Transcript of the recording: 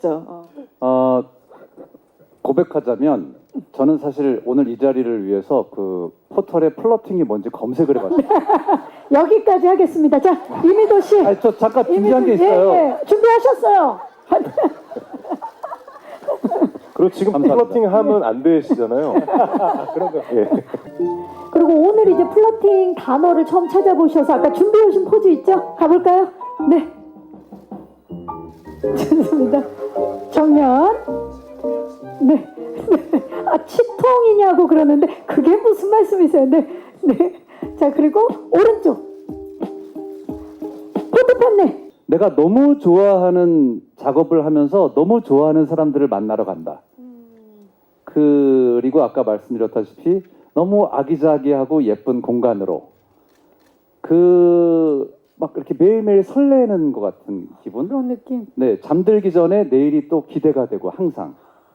고백하자면 저는 사실 오늘 이 자리를 위해서 그 포털에 플러팅이 뭔지 검색을 해봤어요. 여기까지 하겠습니다. 자, 이미도 씨. 아니, 저 잠깐 준비한 게 있어요. 예, 준비하셨어요. 그리고 지금 감사합니다. 플러팅 하면 안 되시잖아요. 그런 거. 예. 그리고 오늘 이제 플러팅 단어를 처음 찾아보셔서 아까 준비해 오신 포즈 있죠? 가볼까요? 네. 좋습니다. 정면. 네. 아, 치통이냐고 그러는데 그게 무슨 말씀이세요? 네. 네. 자, 그리고 오른쪽. 포토판네. 내가 너무 좋아하는 작업을 하면서 너무 좋아하는 사람들을 만나러 간다. 그리고 아까 말씀드렸다시피 너무 아기자기하고 예쁜 공간으로 막 이렇게 매일매일 설레는 것 같은 기분. 그런 느낌. 네, 잠들기 전에 내일이 또 기대가 되고 항상